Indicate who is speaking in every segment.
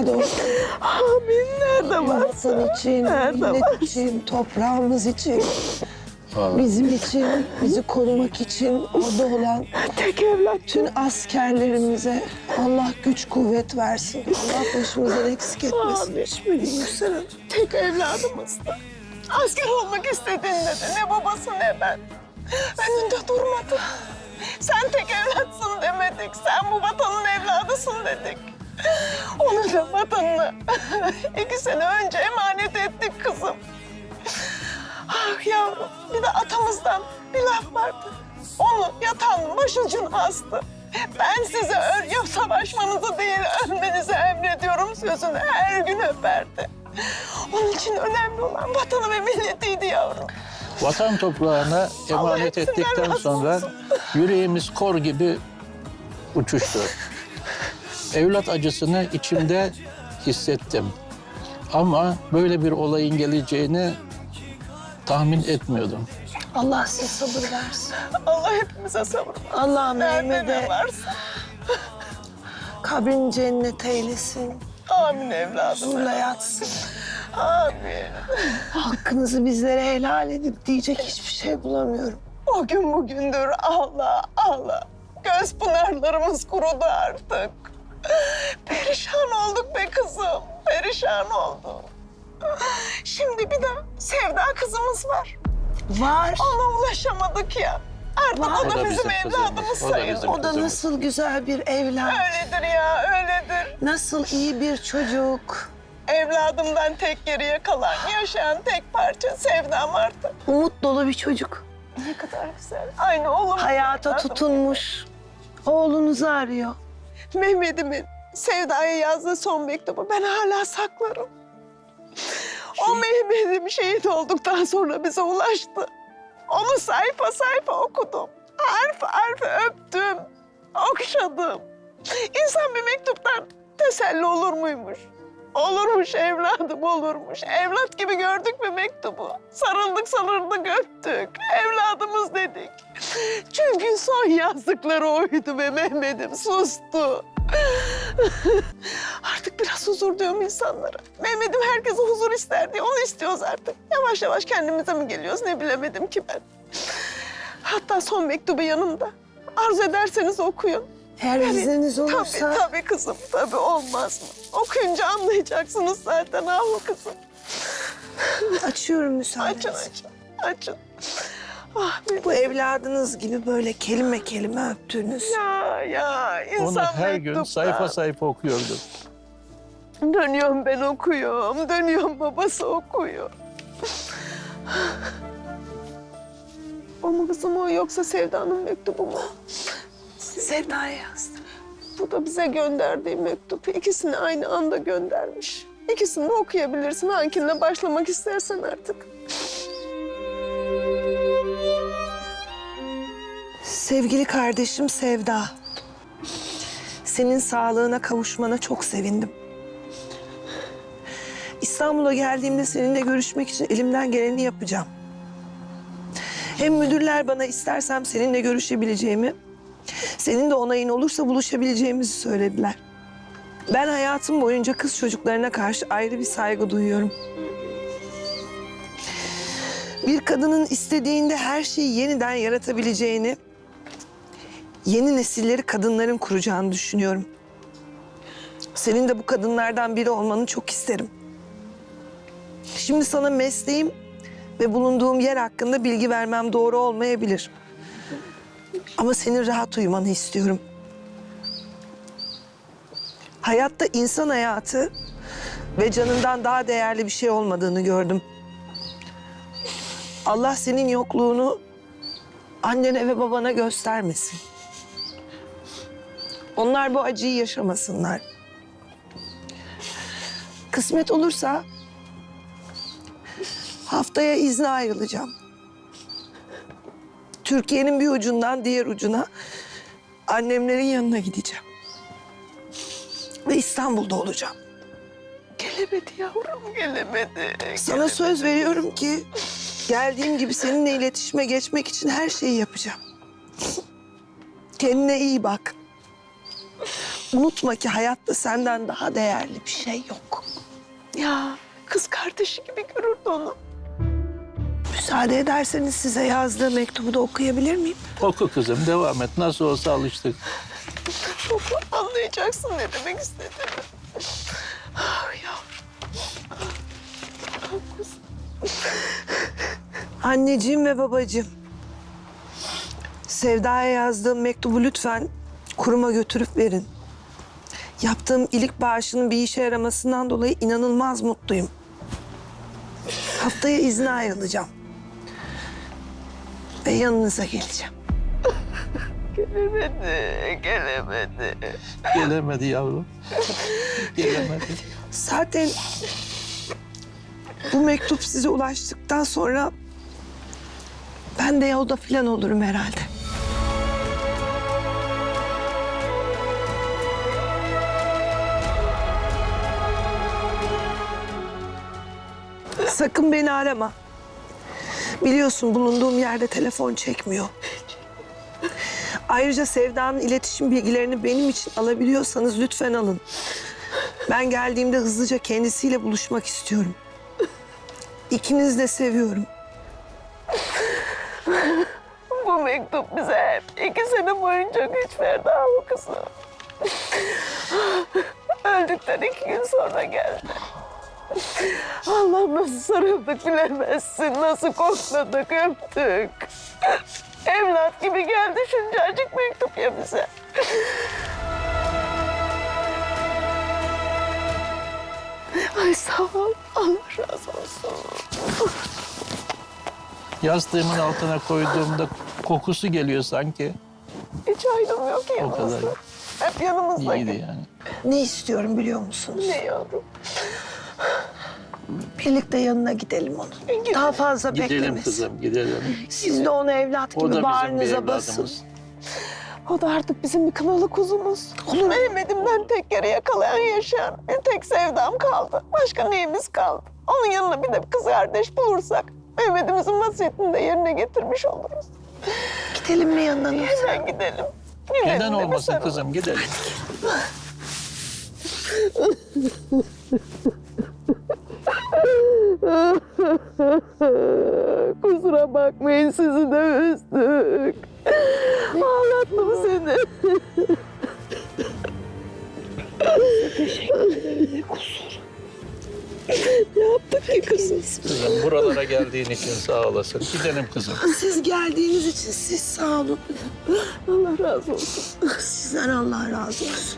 Speaker 1: şifa olsun.
Speaker 2: Amin. Nerede varsa.
Speaker 1: Vatan için,
Speaker 2: Nerede
Speaker 1: millet
Speaker 2: varsa.
Speaker 1: için, toprağımız için,
Speaker 3: Vallahi.
Speaker 1: bizim için, bizi korumak için orada olan
Speaker 2: Tek evlat.
Speaker 1: tüm askerlerimize Allah güç kuvvet versin. Allah başımızdan eksik etmesin.
Speaker 2: Amin.
Speaker 1: Yüksel Hanım.
Speaker 2: Tek evladımızdı. Asker olmak istediğinde de ne babası ne ben. Önünde durmadı. Sen tek evlatsın demedik. Sen bu vatanın evladısın dedik. Onu da vatanını 2 sene önce emanet ettik kızım. Ah yavrum, bir de atamızdan bir laf vardı. Onu yatağının başucuna astı. Ben size yok savaşmanızı değil, ölmenizi emrediyorum sözünü her gün öperdi. Onun için önemli olan vatanı ve milletiydi yavrum.
Speaker 3: Vatan toprağına emanet
Speaker 2: hepsinden
Speaker 3: ettikten
Speaker 2: razı
Speaker 3: sonra
Speaker 2: olsun.
Speaker 3: yüreğimiz kor gibi uçuştu. Evlat acısını içimde hissettim. Ama böyle bir olayın geleceğini tahmin etmiyordum.
Speaker 1: Allah size sabır versin.
Speaker 2: Allah hepimize sabır versin.
Speaker 1: Allah
Speaker 2: Nerede ne
Speaker 1: Mehmet'e
Speaker 2: varsa.
Speaker 1: kabrini cennet eylesin.
Speaker 2: Amin evladım.
Speaker 1: Huzurla yatsın.
Speaker 2: Amin.
Speaker 1: Hakkınızı bizlere helal edip diyecek hiçbir şey bulamıyorum.
Speaker 2: O gün bugündür ağla ağla. Göz pınarlarımız kurudu artık. Perişan olduk be kızım. Perişan olduk. Şimdi bir de Sevda kızımız var.
Speaker 1: Var.
Speaker 2: Ona ulaşamadık ya. Artık
Speaker 1: Var.
Speaker 2: o da bizim evladımız
Speaker 3: O da
Speaker 2: sayılır.
Speaker 3: bizim
Speaker 1: O da
Speaker 3: kızımız.
Speaker 1: nasıl güzel bir evlat.
Speaker 2: Öyledir ya, öyledir.
Speaker 1: Nasıl iyi bir çocuk.
Speaker 2: Evladımdan tek geriye kalan, yaşayan tek parça Sevdam artık.
Speaker 1: Umut dolu bir çocuk.
Speaker 2: Ne kadar güzel. Aynı oğlum.
Speaker 1: Hayata tutunmuş. Oğlunuzu arıyor.
Speaker 2: Mehmet'imin Sevda'ya yazdığı son mektubu ben hala saklarım. O Mehmet'im şehit olduktan sonra bize ulaştı. Onu sayfa sayfa okudum. Harf harf öptüm, okşadım. İnsan bir mektuptan teselli olur muymuş? Olurmuş evladım, olurmuş. Evlat gibi gördük mü mektubu? Sarıldık, sarıldık, öptük. Evladımız dedik. Çünkü son yazdıkları oydu ve Mehmet'im sustu. Artık biraz huzur diyorum insanlara. Mehmet'im herkese huzur ister diye onu istiyoruz artık. Yavaş yavaş kendimize mi geliyoruz ne bilemedim ki ben. Hatta son mektubu yanımda. Arzu ederseniz okuyun.
Speaker 1: Eğer izniniz olursa...
Speaker 2: Tabii kızım, tabii olmaz mı? Okuyunca anlayacaksınız zaten ah kızım.
Speaker 1: Açıyorum müsaadenizi.
Speaker 2: Açın, açın, açın. Ah benim.
Speaker 1: Bu evladınız gibi böyle kelime kelime öptüğünüz.
Speaker 2: Ya insan
Speaker 3: Onu her gün
Speaker 2: mektupta.
Speaker 3: sayfa sayfa okuyordum.
Speaker 2: Dönüyorum ben okuyorum, dönüyorum babası okuyor. O mu kızım o yoksa Sevda'nın mektubu mu?
Speaker 1: Sevda'ya yazdım.
Speaker 2: Bu da bize gönderdiği mektup. İkisini aynı anda göndermiş. İkisini de okuyabilirsin. Hanginle başlamak istersen artık.
Speaker 1: Sevgili kardeşim Sevda. Senin sağlığına kavuşmana çok sevindim. İstanbul'a geldiğimde seninle görüşmek için elimden geleni yapacağım. Hem müdürler bana istersem seninle görüşebileceğimi, senin de onayın olursa buluşabileceğimizi söylediler. Ben hayatım boyunca kız çocuklarına karşı ayrı bir saygı duyuyorum. Bir kadının istediğinde her şeyi yeniden yaratabileceğini, yeni nesilleri kadınların kuracağını düşünüyorum. Senin de bu kadınlardan biri olmanı çok isterim. Şimdi sana mesleğim ve bulunduğum yer hakkında bilgi vermem doğru olmayabilir. Ama senin rahat uyumanı istiyorum. Hayatta insan hayatı ve canından daha değerli bir şey olmadığını gördüm. Allah senin yokluğunu annene ve babana göstermesin. Onlar bu acıyı yaşamasınlar. Kısmet olursa haftaya izne ayrılacağım. Türkiye'nin bir ucundan diğer ucuna annemlerin yanına gideceğim. Ve İstanbul'da olacağım.
Speaker 2: Gelemedi yavrum, gelemedi.
Speaker 1: Sana söz veriyorum ki geldiğim gibi seninle iletişime geçmek için her şeyi yapacağım. Kendine iyi bak. Unutma ki hayatta senden daha değerli bir şey yok.
Speaker 2: Ya kız kardeşi gibi görürdü onu.
Speaker 1: Müsaade ederseniz size yazdığı mektubu da okuyabilir miyim?
Speaker 3: Oku kızım, devam et. Nasıl olsa alıştık.
Speaker 2: Çok anlayacaksın ne demek istediğimi. Ah yavrum. Ah kızım.
Speaker 1: Anneciğim ve babacığım, Sevda'ya yazdığım mektubu lütfen kuruma götürüp verin. Yaptığım iyilik bağışının bir işe yaramasından dolayı inanılmaz mutluyum. Haftaya izne ayrılacağım. Ve yanınıza geleceğim.
Speaker 2: Gelemedi.
Speaker 3: Gelemedi yavrum. Gelemedi.
Speaker 1: Zaten bu mektup size ulaştıktan sonra ben de yolda falan olurum herhalde. Sakın beni arama. Biliyorsun bulunduğum yerde telefon çekmiyor. Ayrıca Sevda'nın iletişim bilgilerini benim için alabiliyorsanız lütfen alın. Ben geldiğimde hızlıca kendisiyle buluşmak istiyorum. İkinizi de seviyorum.
Speaker 2: Bu mektup bize hep 2 sene boyunca güç verdi ama kızım. Öldükten 2 gün sonra geldi. Allah nasıl sarıldık bilemezsin, nasıl kokladık, öptük. Evlat gibi geldi şuncacık mektup ya bize. Ay sağ ol, Allah razı olsun.
Speaker 3: Yastığımın altına koyduğumda kokusu geliyor sanki.
Speaker 2: Hiç ayrılmıyor ki
Speaker 3: O kadar.
Speaker 2: yanımızda. Hep yanımızda.
Speaker 3: İyiydi yani.
Speaker 1: Ne istiyorum biliyor musunuz?
Speaker 2: Ne yavrum?
Speaker 1: Birlikte yanına gidelim onun.
Speaker 2: Gidelim.
Speaker 1: Daha fazla
Speaker 3: Gidelim
Speaker 1: beklemesin.
Speaker 3: kızım, gidelim.
Speaker 1: Siz de onu evlat
Speaker 3: O
Speaker 1: gibi
Speaker 3: da bizim bir
Speaker 1: bağrınıza basın.
Speaker 3: evladımız.
Speaker 2: O da artık bizim bir kınalı kuzumuz. Mehmet'imden tek kere yakalayan yaşayan bir tek sevdam kaldı. Başka neyimiz kaldı? Onun yanına bir de bir kız kardeş bulursak Mehmet'imizin vasiyetini de yerine getirmiş oluruz.
Speaker 1: Gidelim mi yanına?
Speaker 2: Hemen gidelim. Gidelim
Speaker 3: Neden
Speaker 2: de bir
Speaker 3: olmasın
Speaker 2: sarılalım.
Speaker 3: kızım, gidelim.
Speaker 2: Kusura bakmayın sizi de üzdük. Ağlattım seni. Ne yaptık ki kızım?
Speaker 3: Kızım buralara geldiğin için sağ olasın. Gidelim kızım.
Speaker 1: Siz geldiğiniz için siz sağ olun.
Speaker 2: Allah razı olsun.
Speaker 1: Sizden Allah razı olsun.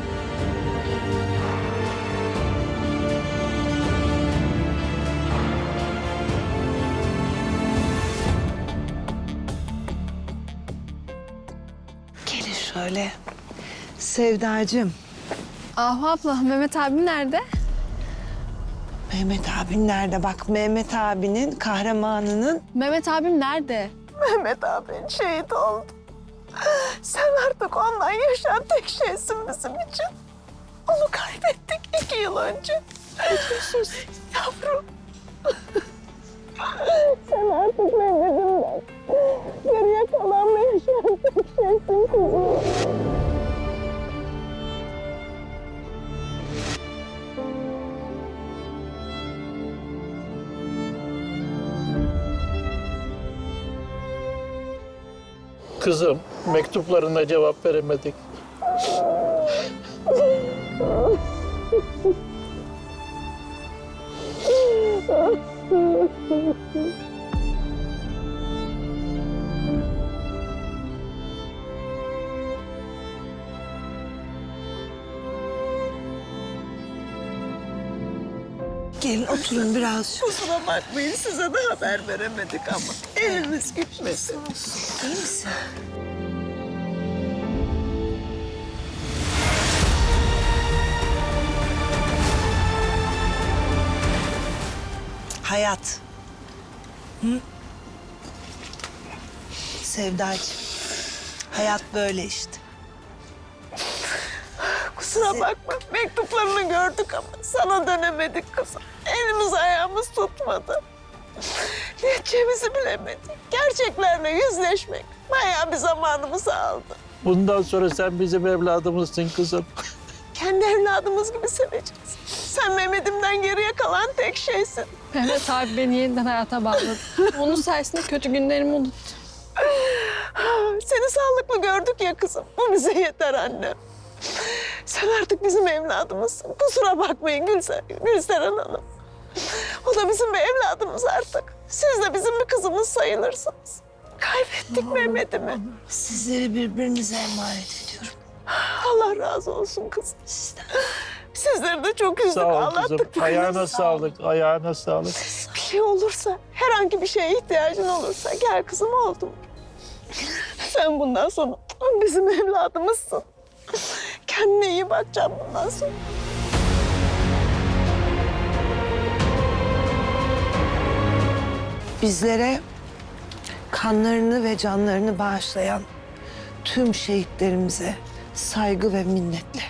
Speaker 1: Gelin şöyle. Sevdacığım,
Speaker 4: Ahu abla, Mehmet abim nerede?
Speaker 1: Mehmet abin nerede? Bak Mehmet abinin kahramanının
Speaker 4: Mehmet abim nerede?
Speaker 2: Mehmet abin şehit oldu. Sen artık ondan yaşayan tek şeysin bizim için. Onu kaybettik 2 yıl önce. Yavrum. Sen artık Mehmet'imden geriye kalan ve yaşayan tek şeysin kızım.
Speaker 3: Kızım, mektuplarına cevap veremedik.
Speaker 1: gelin oturun biraz.
Speaker 2: Kusura bakmayın size de haber veremedik ama eliniz gitmesin.
Speaker 1: İyi misin? Hayat. Hı? Sevdacığım. Hayat böyle işte.
Speaker 2: Kusura bakma mektuplarını gördük ama sana dönemedik kızım. Elimiz ayağımız tutmadı. Ne edeceğimizi bilemedik. Gerçeklerle yüzleşmek bayağı bir zamanımızı aldı.
Speaker 3: Bundan sonra sen bizim evladımızsın kızım.
Speaker 2: Kendi evladımız gibi seveceğiz. Sen Mehmet'imden geriye kalan tek şeysin.
Speaker 4: Mehmet abi beni yeniden hayata bağladı. Onun sayesinde kötü günlerimi unuttum.
Speaker 2: Seni sağlıklı gördük ya kızım. Bu bize yeter annem. Sen artık bizim evladımızsın. Kusura bakmayın Gülseren Hanım. O da bizim bir evladımız artık. Siz de bizim bir kızımız sayılırsınız. Kaybettik Mehmet'imi.
Speaker 1: Sizleri birbirinize emanet ediyorum.
Speaker 2: Allah razı olsun kızım. Sizleri de çok üzdük,
Speaker 3: Sağ ol kızım.
Speaker 2: ağlattık. bu
Speaker 3: Ayağına
Speaker 2: kızı.
Speaker 3: sağlık, ayağına sağlık.
Speaker 2: Bir şey olursa, herhangi bir şeye ihtiyacın olursa gel kızım oldu mu? Sen bundan sonra bizim evladımızsın. Kendine iyi bakacaksın bundan sonra.
Speaker 1: Bizlere kanlarını ve canlarını bağışlayan tüm şehitlerimize saygı ve minnetle.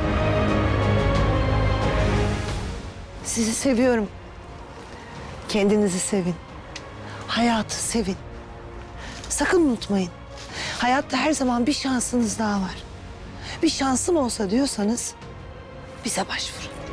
Speaker 1: Sizi seviyorum. Kendinizi sevin. Hayatı sevin. Sakın unutmayın. Hayatta her zaman bir şansınız daha var. Bir şansım olsa diyorsanız bize başvurun.